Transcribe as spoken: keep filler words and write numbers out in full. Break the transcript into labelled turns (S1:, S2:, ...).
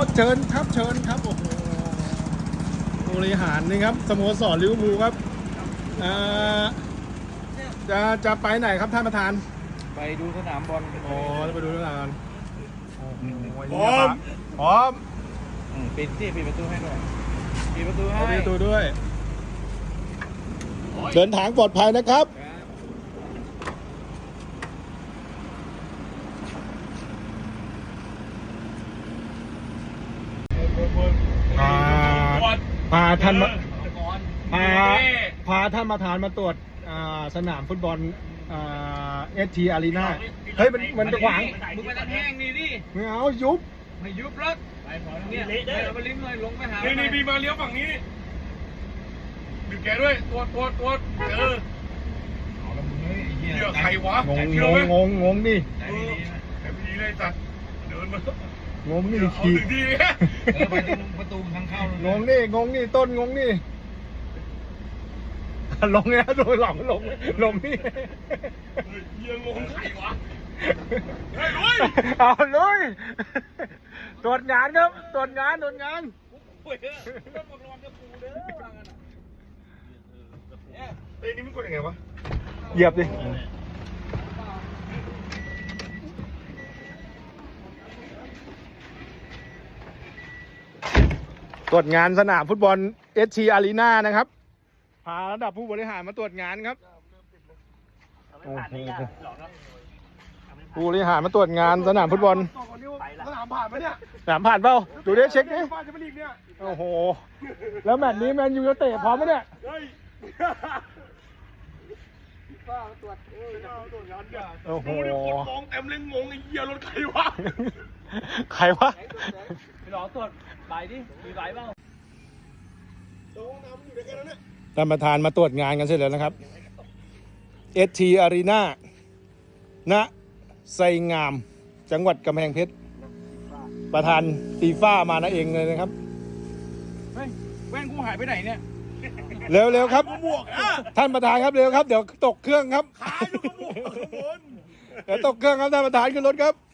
S1: เชิญครับเชิญครับโอ้โหบริหารนี่ครับสโมสรลิเวอร์พูลครับจะจะไปไหนครับท่านประธาน
S2: ไปดูสนามบอล
S1: อ๋อไปดูสนามบอลพ
S2: ร้อม
S1: พร้อม
S2: ปิดที่ปิดประตูให้หน่อยปิดประตูให้
S1: ปิดประตูด้วยเดินทางปลอดภัยนะครับพาพาท่านมาพาพาท่านมาทานมาตรวจสนามฟุตบอลเอสทีอารีนาเฮ้ยมันมันจะขวาง
S2: มึงไปตะแห้งนี่ดิ
S1: ไม่เอายุบ
S2: ไม่ยุบแล้วเนี่ยเอาไปลิ้มเลยลงไปหา
S3: นี่นี่บีมาเลี้ยวฝั่งนี้บีแกด้วยตัวตัวตัวเออเหี้ยใครวะ
S1: งงงงงงงดิ
S3: แต่พี่เลยสัตว์เดินมาง
S1: งนี่ขี่
S3: ถึงที่
S2: เนี่ยไปตรงประตูทางเข้าง
S1: งนี่งงนี่ต้นงงนี่ลงเนี่ยโดยหลังลงลงนี่
S3: เยี่ยงงใครวะเฮ้ยลุย
S1: เอาลุยตรวจงานครับตรวจงานตรวจงาน
S3: เฮ้ยรถระวังจะปูเด้อเอ้ยนี่มันกดยังไงวะ
S1: เหยียบดิตรวจงานสนามฟุตบอลเอสทีอารีนานะครับพาระดับผู้บริหารมาตรวจงานครับผู้บริหารมาตรวจงานสนามฟุตบอล
S3: สนามผ่านไหมเนี่ย
S1: สนามผ่านเปล่าดูดิเช็คดิโอ้โหแล้วแมตช์นี้แมนยูจะเตะพร้อมไหมเนี่ยโอ้โห
S3: มองเต็มเลยงงไอ้เหี้ยรถใครวะ
S1: ใครวะ
S2: ไปรอตรวจใบดิมีใบเปล่า
S1: ท่านประธานมาตรวจงานกันเสร็จแล้วนะครับ เอส ที Arena ณ ไซงามจังหวัดกำแพงเพชรประธานฟีฟ่ามานะเองเลยนะครับ
S2: เฮ้ยแว่นกูหายไปไหนเนี่ย
S1: เร็วเร็วครับท่านประธานครับเร็วครับเดี๋ยวตกเครื่องครับ
S3: ขาอยู่กับหมวกข้างบน
S1: เดี๋ยวตกเครื่องครับท่านประธานขึ้นรถครับ